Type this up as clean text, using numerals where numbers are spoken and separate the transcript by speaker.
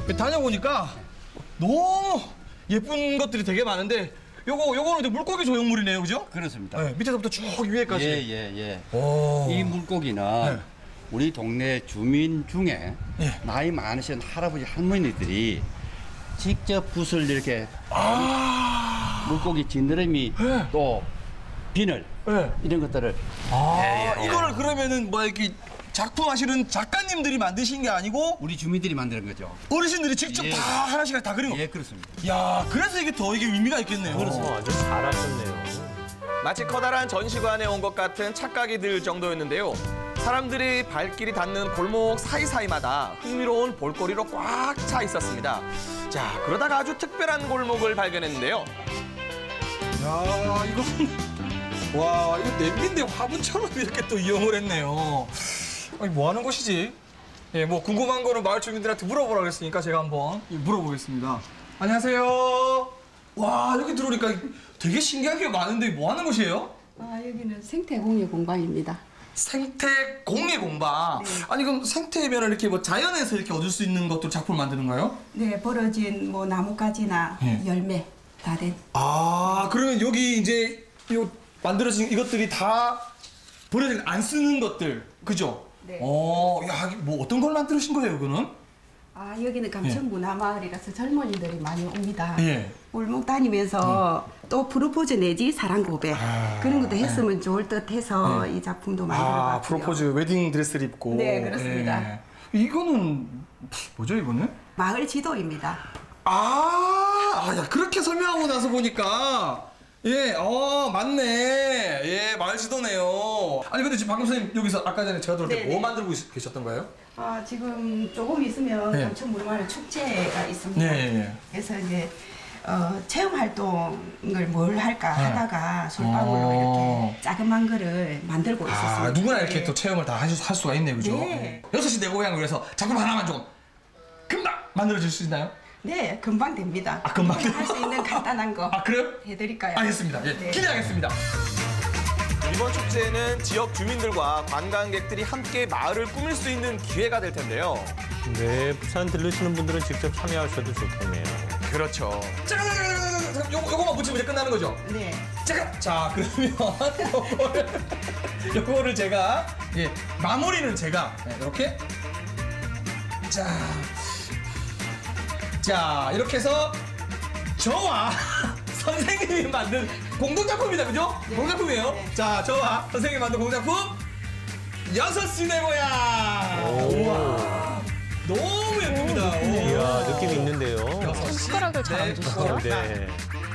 Speaker 1: 다녀보니까 너무 예쁜 것들이 되게 많은데 요거는 이제 물고기 조형물이네요, 그죠?
Speaker 2: 그렇습니다.
Speaker 1: 네, 밑에서부터 쭉 위에까지.
Speaker 2: 예.
Speaker 1: 오.
Speaker 2: 이 물고기는
Speaker 1: 네.
Speaker 2: 우리 동네 주민 중에
Speaker 1: 예.
Speaker 2: 나이 많으신 할아버지 할머니들이 직접 붓을 이렇게 물고기 지느러미
Speaker 1: 네.
Speaker 2: 또 비늘
Speaker 1: 네.
Speaker 2: 이런 것들을
Speaker 1: 이거를 그러면은 뭐 이렇게 작품하시는 작가님들이 만드신 게 아니고
Speaker 2: 우리 주민들이 만드는 거죠.
Speaker 1: 어르신들이 직접
Speaker 2: 예.
Speaker 1: 다 하나씩 다 그린 거.
Speaker 2: 예, 그렇습니다.
Speaker 1: 야, 그래서 이게 더 이게 의미가 있겠네요.
Speaker 3: 아주 잘하셨네요.
Speaker 4: 마치 커다란 전시관에 온 것 같은 착각이 들 정도였는데요. 사람들이 발길이 닿는 골목 사이사이마다 흥미로운 볼거리로 꽉 차 있었습니다. 자, 그러다가 아주 특별한 골목을 발견했는데요.
Speaker 1: 야, 와, 이거 냄비인데 화분처럼 이렇게 또 이용을 했네요. 아니, 뭐 하는 곳이지? 예, 뭐 궁금한 거는 마을 주민들한테 물어보라고 했으니까 제가 한번 물어보겠습니다. 안녕하세요. 와, 여기 들어오니까 되게 신기한 게 많은데 뭐 하는 곳이에요?
Speaker 5: 여기는 생태공예 공방입니다.
Speaker 1: 생태 공예 공방. 아니, 그럼 생태면을 이렇게 뭐 자연에서 이렇게 얻을 수 있는 것들 작품을 만드는 거예요?
Speaker 5: 네, 벌어진 뭐 나뭇가지나 열매 다 된.
Speaker 1: 그러면 여기 이제 요 만들어진 이것들이 다 버려진 안 쓰는 것들, 그죠?
Speaker 5: 네.
Speaker 1: 야, 뭐 어떤 걸 만드신 거예요, 이거는?
Speaker 5: 여기는 감천문화마을이라서 젊은이들이 많이 옵니다.
Speaker 1: 예.
Speaker 5: 골목 다니면서 또 프로포즈 내지 사랑 고백 그런 것도 했으면 좋을 듯 해서 이 작품도 만들어봤고요.
Speaker 1: 프로포즈 웨딩 드레스를 입고.
Speaker 5: 네, 그렇습니다.
Speaker 1: 예. 이거는 뭐죠, 이거는?
Speaker 5: 마을 지도입니다.
Speaker 1: 야, 그렇게 설명하고 나서 보니까 예, 맞네. 예, 마을 지도네요. 아니, 근데 지금 방금 선생님 여기서 아까 전에 제가 들을 때 뭐 만들고 계셨던 거예요?
Speaker 5: 지금 조금 있으면
Speaker 1: 네.
Speaker 5: 감천문화마을 축제가 있습니다.
Speaker 1: 네.
Speaker 5: 그래서 이제 체험 활동을 뭘 할까 하다가 솔방울로 이렇게 자그만 거를 만들고 있었습니다.
Speaker 1: 누구나 이렇게
Speaker 5: 네.
Speaker 1: 또 체험을 다 할 수가 있네요, 그죠?
Speaker 5: 네.
Speaker 1: 6시 내 고향을 위해서 작품 하나만 좀 금방 만들어줄 수 있나요?
Speaker 5: 네, 금방 됩니다.
Speaker 1: 금방
Speaker 5: 할 수 있는 간단한 거
Speaker 1: 그래요?
Speaker 5: 해드릴까요?
Speaker 1: 알겠습니다. 예,
Speaker 5: 네.
Speaker 1: 기대하겠습니다.
Speaker 4: 이번 축제는 지역 주민들과 관광객들이 함께 마을을 꾸밀 수 있는 기회가 될 텐데요.
Speaker 3: 네, 부산 들르시는 분들은 직접 참여하셔도 좋겠네요.
Speaker 4: 그렇죠.
Speaker 1: 잠깐, 요거만 붙이면 이제 끝나는 거죠?
Speaker 5: 네.
Speaker 1: 자, 그러면 요거를 제가 마무리는 제가 이렇게 자, 이렇게 해서 저와 선생님이 만든 공동작품이다, 그죠?
Speaker 5: 네.
Speaker 1: 공동작품이에요.
Speaker 5: 네.
Speaker 1: 자, 저와 선생님이 만든 공동작품 6시 내 고향. 우와, 너무 예쁩니다.
Speaker 3: 이야, 느낌 있는데요.
Speaker 1: 6시
Speaker 6: 숟가락을 잘 안
Speaker 1: 내
Speaker 6: 주시죠?
Speaker 1: 고향.
Speaker 3: 네.